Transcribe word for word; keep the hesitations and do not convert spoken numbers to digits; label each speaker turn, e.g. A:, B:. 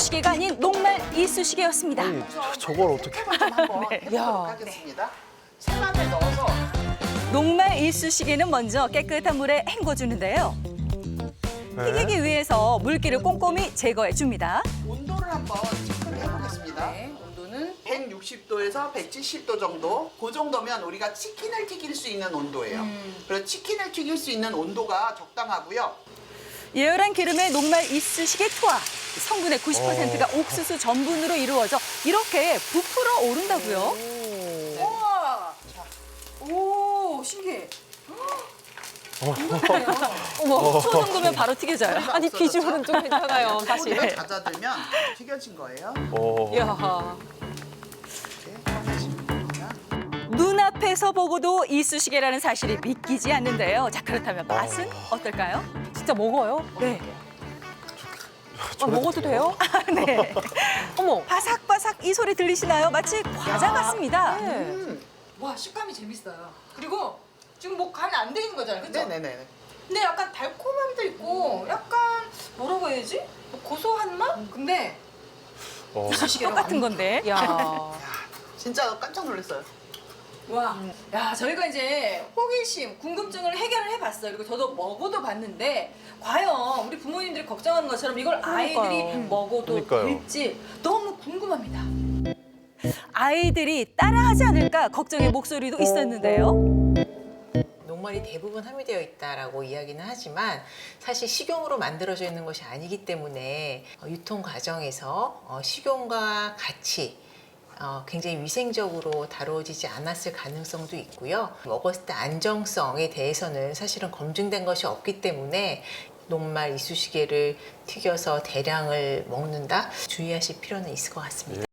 A: 이쑤시개가 아닌 녹말 이쑤시개였습니다.
B: 아니, 저걸 어떻게?
C: 좀 한번
A: 네.
C: 해보도록
D: 야.
C: 하겠습니다. 생마늘 넣어서
A: 녹말 이쑤시개는 먼저 깨끗한 물에 헹궈주는데요.
B: 네.
A: 튀기기 위해서 물기를 꼼꼼히 제거해 줍니다.
C: 온도를 한번 체크를 해보겠습니다.
D: 네, 온도는
C: 백육십 도에서 백칠십 도 정도. 그 정도면 우리가 치킨을 튀길 수 있는 온도예요.
D: 음.
C: 그래서 치킨을 튀길 수 있는 온도가 적당하고요.
A: 예열한 기름에 녹말 이쑤시개 투하. 성분의 구십 퍼센트가 옥수수 전분으로 이루어져 이렇게 부풀어 오른다고요.
D: 우와. 오, 신기해.
A: 어머, 초 정도면 바로 튀겨져요.
C: 소리가
D: 아니,
C: 없어졌죠?
D: 비주얼은 좀 괜찮아요, 사실.
C: 소리가 잦아들면 튀겨진 거예요.
B: 어.
D: 이야.
C: 이렇게 꺼내시면 됩니다.
A: 눈앞에서 보고도 이쑤시개라는 사실이 믿기지 않는데요. 자, 그렇다면 맛은 어떨까요?
D: 진짜 먹어요?
A: 네.
D: 아, 먹어도 돼요?
A: 네.
D: 어머.
A: 바삭바삭 이 소리 들리시나요? 마치 과자 같습니다.
D: 네.
C: 음.
E: 와 식감이 재밌어요. 그리고 지금 뭐 간 안 돼 있는 거잖아요, 그렇죠?
C: 네네네.
E: 근데 약간 달콤함도 있고 약간 뭐라고 해야지? 뭐 고소한 맛? 근데
B: 어.
A: 똑같은 건데.
D: 야.
C: 야, 진짜 깜짝 놀랐어요.
E: 와, 야 저희가 이제 호기심, 궁금증을 해결을 해봤어요. 그리고 저도 먹어도 봤는데 과연 우리 부모님들이 걱정하는 것처럼 이걸 아이들이
D: 그러니까요.
E: 먹어도
B: 그러니까요.
E: 될지 너무 궁금합니다.
A: 아이들이 따라하지 않을까 걱정의 목소리도 있었는데요.
F: 녹말이 대부분 함유되어 있다라고 이야기는 하지만 사실 식용으로 만들어져 있는 것이 아니기 때문에 어, 유통 과정에서 어, 식용과 같이 어, 굉장히 위생적으로 다루어지지 않았을 가능성도 있고요. 먹었을 때 안정성에 대해서는 사실은 검증된 것이 없기 때문에 녹말 이쑤시개를 튀겨서 대량을 먹는다 주의하실 필요는 있을 것 같습니다.